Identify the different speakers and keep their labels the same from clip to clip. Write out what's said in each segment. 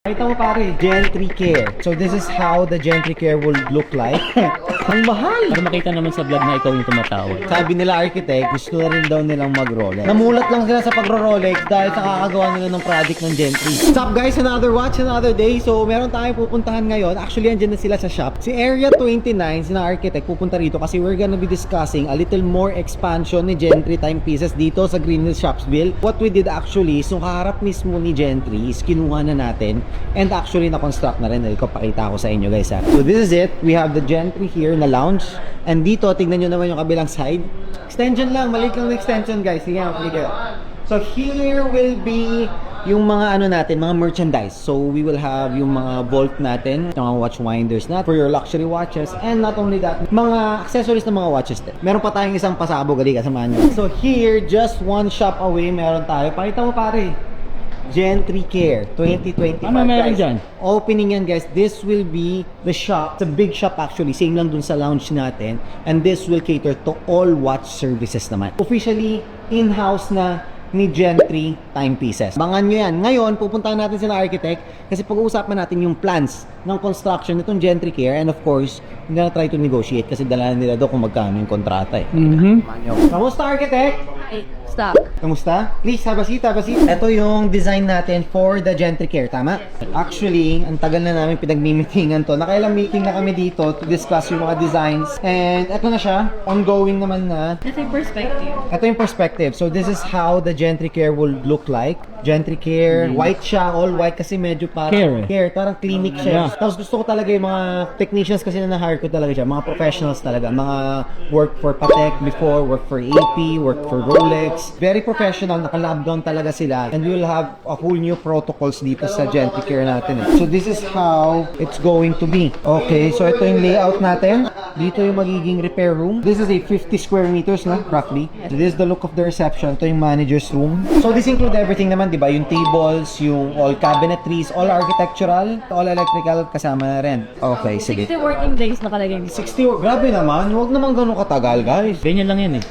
Speaker 1: Ito mo pare, Gentry Care. So this is how the Gentry Care will look like. Ang mahal!
Speaker 2: Para makita naman sa vlog na ikaw yung tumatawag.
Speaker 1: Sabi nila architect, gusto na rin daw nilang mag-Rolex. Namulat lang sila sa pag-Rolex dahil sa kakagawa nila ng project ng Gentry. What's up guys? Another watch, another day. So meron tayong pupuntahan ngayon. Actually, andyan na sila sa shop. Si Area 29, sina architect, pupunta rito kasi we're gonna be discussing a little more expansion ni Gentry timepieces dito sa Green Hills Shopsville. What we did actually is yung kaharap mismo ni Gentry is kinuha na natin and actually na-construct na rin. Ko pakita ko sa inyo guys ha. So this is it. We have the Gentry here na lounge. And dito, tignan nyo naman yung kabilang side. Extension lang, maliit lang na extension guys. Sige, sige. So here will be yung mga ano natin, mga merchandise. So we will have yung mga vault natin, yung mga watch winders na for your luxury watches. And not only that, mga accessories ng mga watches din. Meron pa tayong isang pasabog, ali kasamahan nyo. So here, just one shop away, meron tayo. Pakita mo pare. Gentry Care 2025
Speaker 2: Ano meron
Speaker 1: guys.
Speaker 2: dyan?
Speaker 1: Opening yan guys. This will be the shop. It's a big shop actually. Same lang dun sa lounge natin. And this will cater to all watch services naman. Officially, in-house na ni Gentry timepieces. Bangan nyo yan. Ngayon, pupuntahan natin sila architect kasi pag-uusapan natin yung plans ng construction nitong Gentry Care and of course, hindi na try to negotiate kasi dala nila doon kung magkano yung kontrata eh. Kamusta architect?
Speaker 3: Stop.
Speaker 1: Kamusta? Please, have a seat, have a seat. Ito yung design natin for the Gentry Care, tama? Actually, ang tagal na namin pinag-meetingan to. Nakailang meeting na kami dito to discuss yung mga designs. And ito na siya. Ongoing naman na.
Speaker 3: Ito yung perspective.
Speaker 1: Ito yung perspective. So this is how the Gentry Care will look like. Gentry Care, white siya, all white kasi medyo parang care, parang clinic siya. Tapos gusto ko talaga yung mga technicians kasi na na-hire ko talaga siya, mga professionals talaga, mga work for Patek before, work for AP, work for Rolex. Very professional, naka-lockdown talaga sila. And we will have a whole new protocols dito sa Gentry Care natin. So this is how it's going to be. Okay, so ito yung layout natin. Dito yung magiging repair room. This is a 50 square meters na, roughly. So this is the look of the reception. Ito yung manager's room. So this include everything naman, di ba? Yung tables, yung all cabinetries, all architectural, all electrical, kasama na rin. Okay, sige.
Speaker 3: 60 working days nakalagay dito.
Speaker 1: 60, grabe naman. Huwag naman ganun katagal, guys.
Speaker 2: Ganyan lang yan eh.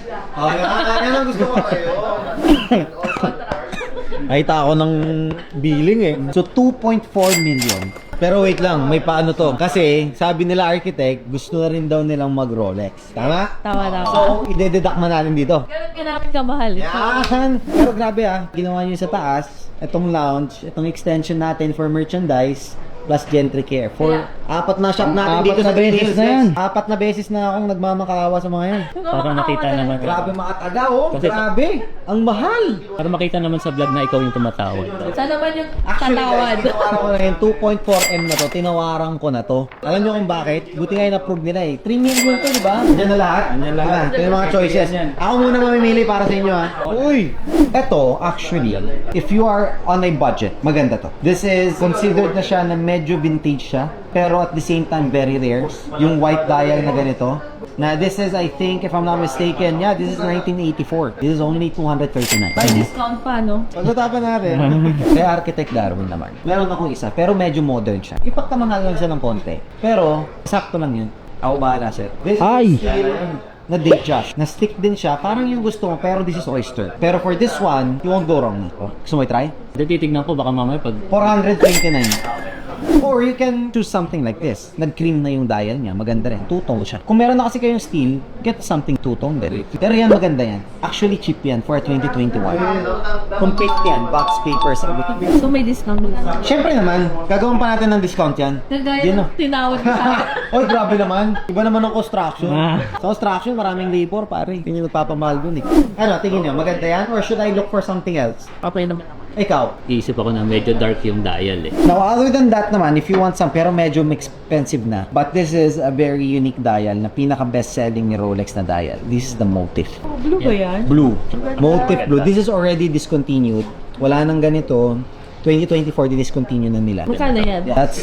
Speaker 1: Yan ang gusto ko kayo. Nakita ako ng billing eh. So, 2.4 million. Pero wait lang, may paano to. Kasi, sabi nila architect, gusto na rin daw nilang mag-Rolex. Tama?
Speaker 3: Tama.
Speaker 1: So, ide-deduct na natin dito.
Speaker 3: Ganun ka namin kamahal.
Speaker 1: Yan! Pero grabe ginawa nyo sa taas, itong lounge, itong extension natin for merchandise, plus Gentry Care. For apat na shop natin dito sa Green Hills na yan. Apat na beses na akong nagmamakaawa sa mga yan.
Speaker 2: Para makita naman.
Speaker 1: Grabe mga taga oh.
Speaker 2: Kasi-
Speaker 1: Grabe. Ang mahal.
Speaker 2: Para makita naman sa vlog na ikaw yung tumatawag.
Speaker 3: Sana naman yung
Speaker 1: Actually,
Speaker 3: tatawad.
Speaker 1: guys, tinawaran ko na yun. 2.4M na to. Tinawaran ko na to. Alam nyo kung bakit? Buti nga yung approve nila eh. 3 million to, di ba? Diyan na lahat. Diyan lahat. Ito yung mga choices. Ako muna mamimili para sa inyo ha. Uy! Ito, actually, if you are on a budget, maganda to. This is considered na siya na medyo vintage siya. Pero at the same time, very rare. Yung white dial na ganito. Na this is, I think, if I'm not mistaken, yeah, this is 1984. This is only 239.
Speaker 3: May discount pa, no?
Speaker 1: Pag-usapan natin. Kaya Architect Darwin naman. Meron akong isa, pero medyo modern siya. Ipagkamahal lang siya ng konti. Pero, sakto lang yun. Ako bahala, sir. This
Speaker 2: Ay!
Speaker 1: is still na date Josh. Na-stick din siya. Parang yung gusto mo, pero this is oyster. Pero for this one, you won't go wrong. Gusto mo i-try?
Speaker 2: Hindi, titignan ko baka mamaya pag
Speaker 1: 429. Or you can choose something like this. Nag-cream na yung dial niya. Maganda rin. Two-tone siya. Kung meron na kasi kayong steel, get something two-tone din. Pero yan, maganda yan. Actually, cheap yan for 2021. Complete yan. Box papers. Everything.
Speaker 3: So may discount lang.
Speaker 1: Siyempre naman, gagawin pa natin ng discount yan.
Speaker 3: Kagaya
Speaker 1: Yun,
Speaker 3: ng tinawad ko sa akin.
Speaker 1: Oy, grabe naman. Iba naman ng construction. Sa construction, maraming labor, pare. Hindi nyo nagpapamahal dun eh. Ano, tingin nyo, maganda yan? Or should I look for something else?
Speaker 2: okay naman naman.
Speaker 1: Ikaw?
Speaker 2: Iisip ako na medyo dark yung dial eh.
Speaker 1: Now, other than that naman, if you want some, pero medyo expensive na. But this is a very unique dial na pinaka-best-selling ni Rolex na dial. This is the Motif.
Speaker 3: Blue ba yan?
Speaker 1: Blue. Motif Blue. This is already discontinued. Wala nang ganito. 2024, di-discontinue na nila.
Speaker 3: Magkano yan?
Speaker 1: That's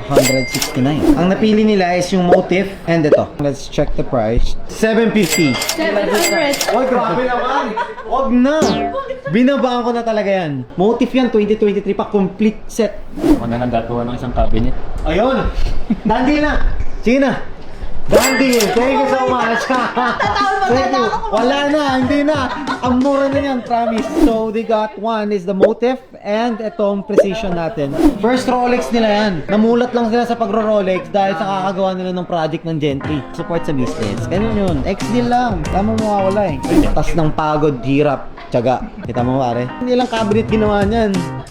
Speaker 1: 569. Ang napili nila is yung Motif and ito. Let's check the price. 750.
Speaker 3: 700.
Speaker 1: Oy, grabe naman! Wag na! Binabaan ko na talaga yan. Motif yan, 2023 pa, complete set.
Speaker 2: Ako na nagagawa ng isang cabinet.
Speaker 1: Ayun! Dandi na! Sige na! Dandy, thank you so much. Thank you. Wala na, hindi na. Ang mura na yan, promise. So, they got one is the motif and itong precision natin. First Rolex nila yan. Namulat lang sila sa pagro-Rolex dahil sa kakagawa nila ng project ng Gentry. Support sa business. Ganun yun. Ex-deal lang. Tama mo mawawala eh. Tas ng pagod, hirap, tiyaga. Kita mo pare. Hindi lang cabinet ginawa niyan.